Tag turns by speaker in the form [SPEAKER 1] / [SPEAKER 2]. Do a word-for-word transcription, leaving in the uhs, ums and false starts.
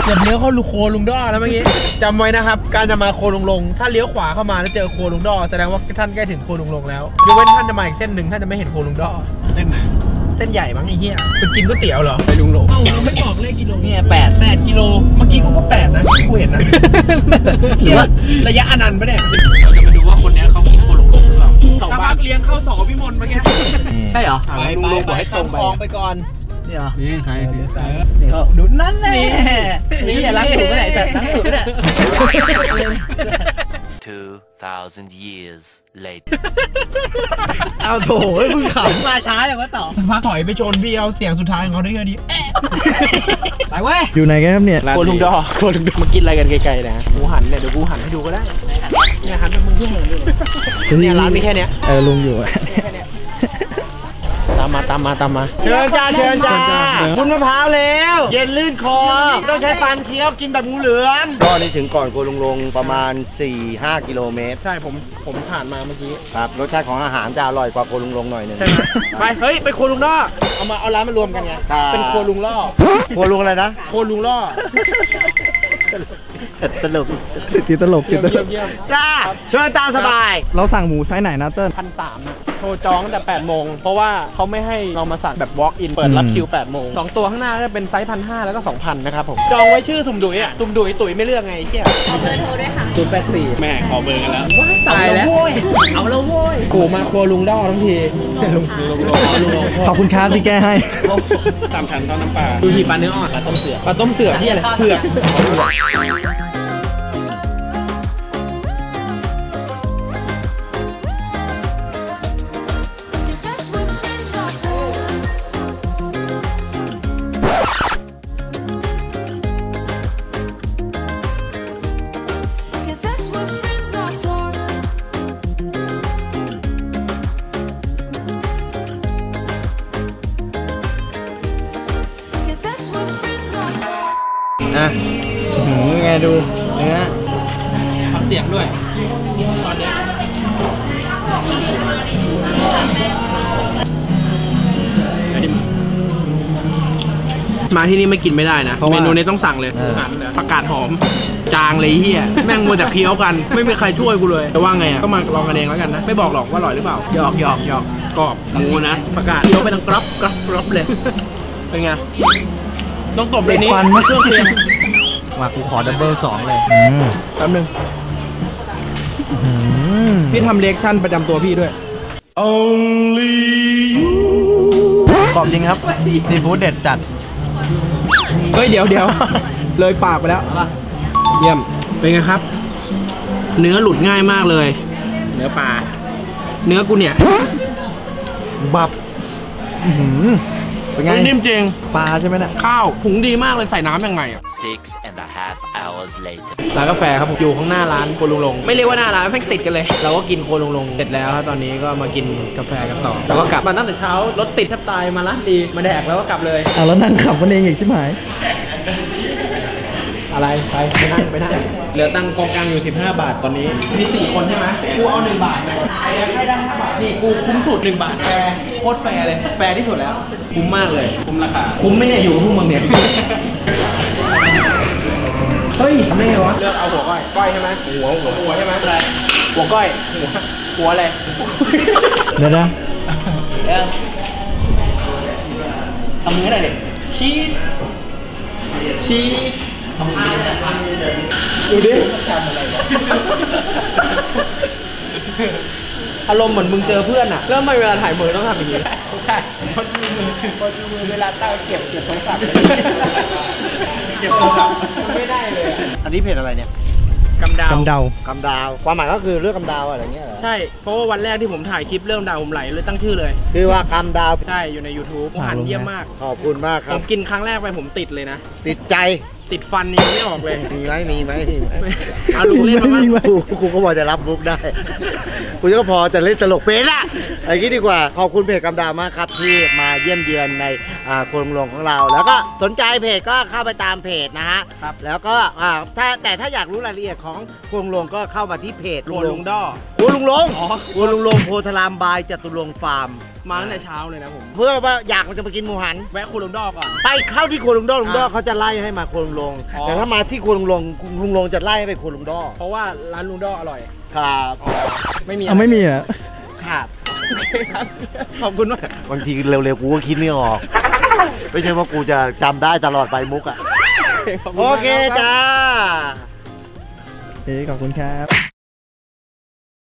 [SPEAKER 1] เกือบเลี้ยวเข้าลูโคลุงด้อแล้วเมื่อกี้จำไว้นะครับการจะมาโคลุงลงถ้าเลี้ยวขวาเข้ามาแล้วเจอโคลุงด้อแสดงว่าท่านใกล้ถึงโคลุงลงแล้วยกเว้นท่านจะมาอีกเส้นหนึ่งท่านจะไม่เห็นโคลุงด้อเส้นไหนเส้นใหญ่มั้งไอ้เหี้ยไปกินก๋วยเตี๋ยวเหรอไปลุงลงเอ้าเราไม่บอกเลขกิโลเนี่ยแปดแปดกิโลเมื่อกี้กูก็แปดนะกูเห็นนะหรือว่าระยะอนันต์ปะเนี่ยเราจะมาดูว่าคนนี้เขามีโคลุงลงหรือเปล่าสองบ้านเลี้ยงเข้าสองพิมลเมื่อกี้ใช่เหรอไปไปไปให้ตรงไปก่อนนี่เหรอนี่ใช่ใช่นี่เขาดูนั่นแหละนี่ล้างถูกไม่ได้แต่ล้างถูกไม่ได้
[SPEAKER 2] two thousand years later
[SPEAKER 1] เอาโถมึงขำมาช้าอย่างว่าต่อพาถอยไปโจนพี่เอาเสียงสุดท้ายของเขาได้แค่นี้ไปเว้ยอยู่ไหนกันครับเนี่ยโคลุงดอโคลุงดอมากินอะไรกันไกลๆนะกูหันเนี่ยเดี๋ยวกูหันให้ดูก็ได้เนี่ยหันไปมึงเพื่อนเลยเนี่ยร้านมีแค่เนี้ยเออลุงอยู่ตามมาตามมาตามมาเชิญจ้าเชิญจ้าคุณมะพร้าวแล้วเย็นลื่นคอต้องใช้ฟันเคี้ยวกินแบบงูเหลือม
[SPEAKER 3] ก็นี่ถึงก่อนโคลุงลงประมาณ สี่ถึงห้า กิโลเมตรใช่
[SPEAKER 1] ผมผมผ่านมาเมื่อกี้
[SPEAKER 3] ครับรสชาติของอาหารจะอร่อยกว่าโคลุงลงหน่อยนึง
[SPEAKER 1] ไปเฮ้ยไปโคลุงล่อเอามาเอาร้านมารวมกันไงเป็นโคลุงล่อ
[SPEAKER 3] โคลุงอะไรนะ
[SPEAKER 1] โคลุงล่อ
[SPEAKER 3] ตลก
[SPEAKER 4] ติดตลกติดตลก
[SPEAKER 3] จ้าเชิญตามสบาย
[SPEAKER 4] เราสั่งหมูไซส์ไหนนะเติ้ล
[SPEAKER 1] พันสามนะโทรจองแต่แปดโมงเพราะว่าเขาไม่ให้เรามาสั่งแบบ walk in เปิดรับคิวแปดโมงสองตัวข้างหน้าจะเป็นไซส์พันห้าแล้วก็สองพันนะครับผมจองไว้ชื่อสุ่มดุยอ่ะสุ่มดุยตุ๋ยไม่เลือกไงเที่ย
[SPEAKER 5] ขอเบอร์โทรด้วยค่ะ
[SPEAKER 1] ศูนย์แปดสี่แม่ขอเบอร์กันแล้ว
[SPEAKER 3] ตายแล้ว
[SPEAKER 1] เอาแล้วโว้ยกูมาครัวลุงด้อทั้งทีลุงลุงลุง
[SPEAKER 4] ขอบคุณครับที่แก้ให้
[SPEAKER 1] สามชั้นต้มน้ำปลาดูทีปลาเนื้ออ่อนปลาต้มเสือปลาต้มเสือที่อะไรเผือกอ่ะไงดูเนื้อฟังเสียงด้วยตอนนี้มาที่นี่ไม่กินไม่ได้นะเมนูนี้ต้องสั่งเลยผักกาดหอมจางเลยเฮียแม่งมัวแต่เคี้ยวกันไม่มีใครช่วยกูเลยแต่ว่าไงอ่ะก็มาลองกันเองแล้วกันนะไม่บอกหรอกว่าอร่อยหรือเปล่าหยอกหยอกหยอกกรอบหมูนะผักกาดเคี้ยวไปทั้งกรอบกรอบกรอบเลยเป็นไงต้องตบเลยนี้เครื่องเคียง
[SPEAKER 4] มากูขอดับเบิลสองเลย
[SPEAKER 1] แป๊บนึงพี่ทำเรีแอคชั่นประจำตัวพี่ด้วย
[SPEAKER 4] Only you ขอบจริงครับซีฟู้ดเด็ดจัด
[SPEAKER 1] เฮ้ยเดี๋ยวเดี๋ยวเลยปากไปแล้วเยี่ยมเป็นไงครับเนื้อหลุดง่ายมากเลยเนื้อปลาเนื้อกูเนี่ย
[SPEAKER 4] บับเป็นไง
[SPEAKER 1] นิ่มจริง
[SPEAKER 4] ปลาใช่ไหมเนี่ย
[SPEAKER 1] ข้าวหุงดีมากเลยใส่น้ำยังไงอ่ะ
[SPEAKER 2] six and a half hours later
[SPEAKER 1] ร้านกาแฟครับผมอยู่ข้างหน้าร้านโคลุงลงไม่เรียกว่าหน้าร้านแม่งติดกันเลยเราก็กินโคลุงลงเสร็จแล้วครับตอนนี้ก็มากินกาแฟกันต่อแล้วก็กลับมาตั้งแต่เช้ารถติดแทบตายมาร้านดีมาแดกแล้วก็กลับเลย
[SPEAKER 4] อ่ะแล้วนั่งขับมันเองอีกใช่ไหม
[SPEAKER 1] อะไรไปไปนั่งไปนั่งเหลือตังค์กองกลางอยู่สิบห้าบาทตอนนี้มีสี่คนใช่ไหมกูเอาหนึ่งบาทเลยให้ได้ห้าบาทนี่กูคุ้มสุดหนึ่งบาทแฟร์โคตรแฟร์เลยแฟร์ที่สุดแล้วคุ้มมากเลยคุ้มราคาคุ้มไม่เนี่ยอยู่กับพวกมึงเนี่ยเฮ้ยทำได้ไงวะเลือกเอาหัวก้อยก้อยใช่ไหมหัวหัวหัวใช่ไหมอะไรหัวก้อยหัวหัวอะไร
[SPEAKER 4] เดี๋ยวนะ
[SPEAKER 1] ทำมืออะไรเนี่ยชีสชีสทำมือดูดิอารมณ์เหมือนมึงเจอเพื่อนอะแล้วทำไมเวลาถ่ายมือต้องทำอย่างนี้ใช่พอดูมือพอดูมือเวลาตั้งเก็บเก็บโทรศัพท์เก็บโทรศัพท์ไม่ได้เลย
[SPEAKER 3] อันนี้เพจอะไรเนี่ย
[SPEAKER 1] กำดาว
[SPEAKER 4] กำดาว
[SPEAKER 3] กำดาวความหมายก็คือเรื่องกำดาวอะไรเงี้ยเหรอ
[SPEAKER 1] ใช่เพราะว่าวันแรกที่ผมถ่ายคลิปเรื่องดาวผมไหลเลยตั้งชื่อเลย
[SPEAKER 3] คือว่ากำดาว
[SPEAKER 1] ใช่อยู่ใน ยูทูบ ผมหันเยี่ยมมาก
[SPEAKER 3] ขอบคุณมากครับ
[SPEAKER 1] ผมกินครั้งแรกไปผมติดเลยนะ
[SPEAKER 3] ติดใจ
[SPEAKER 1] ติดฟันยังไม่ออกเลย
[SPEAKER 3] มีไหมมีไหม
[SPEAKER 1] เอาลุงเล่นมาบ้าง
[SPEAKER 3] ครูก็พอจะรับมุกได้กูก็พอจะเล่นตลกเป็นละไอ้กี้ดีกว่าขอบคุณเพจกำดาวมากครับที่มาเยี่ยมเยือนในโคลุงลงของเราแล้วก็สนใจเพจก็เข้าไปตามเพจนะฮะแล้วก็ถ้าแต่ถ้าอยากรู้รายละเอียดของโคลุงลงก็เข้ามาที่เพจ
[SPEAKER 1] โคลุงด้อ
[SPEAKER 3] โคลุงลงโคลุงลงโพธารามบายจตุรงค์ฟาร์ม
[SPEAKER 1] มาตั้งแต่เช้าเลยนะผม
[SPEAKER 3] เพื่อว่าอยากมันจะไปกินหมูหัน
[SPEAKER 1] แวะครัวลุงดอก่อน
[SPEAKER 3] ไปเข้าที่ครัวลุงดอลุงดอ
[SPEAKER 1] อ่า
[SPEAKER 3] เขาจะไล่ให้มาครัวลุงลง
[SPEAKER 1] อ๋อ
[SPEAKER 3] แต่ถ้ามาที่ครัวลุงลงลุงลงจะไล่ให้ไปครัวลุงดอ
[SPEAKER 1] เพราะว่าร้านลุงดออร่อย
[SPEAKER 3] ครับ
[SPEAKER 1] ไม่มี
[SPEAKER 4] เอาไม่มีอ่ะ
[SPEAKER 3] ครับ
[SPEAKER 1] โอเคครับขอบคุณมาก
[SPEAKER 3] บางทีเร็วๆกูก็คิดไม่ออก ไม่ใช่ว่ากูจะจำได้ตลอดไปมุกอ่ะ
[SPEAKER 1] ขบณ
[SPEAKER 3] โอ
[SPEAKER 1] มาก
[SPEAKER 3] เค
[SPEAKER 1] รับ
[SPEAKER 3] จ้า
[SPEAKER 4] เอ้ขอบคุณครับ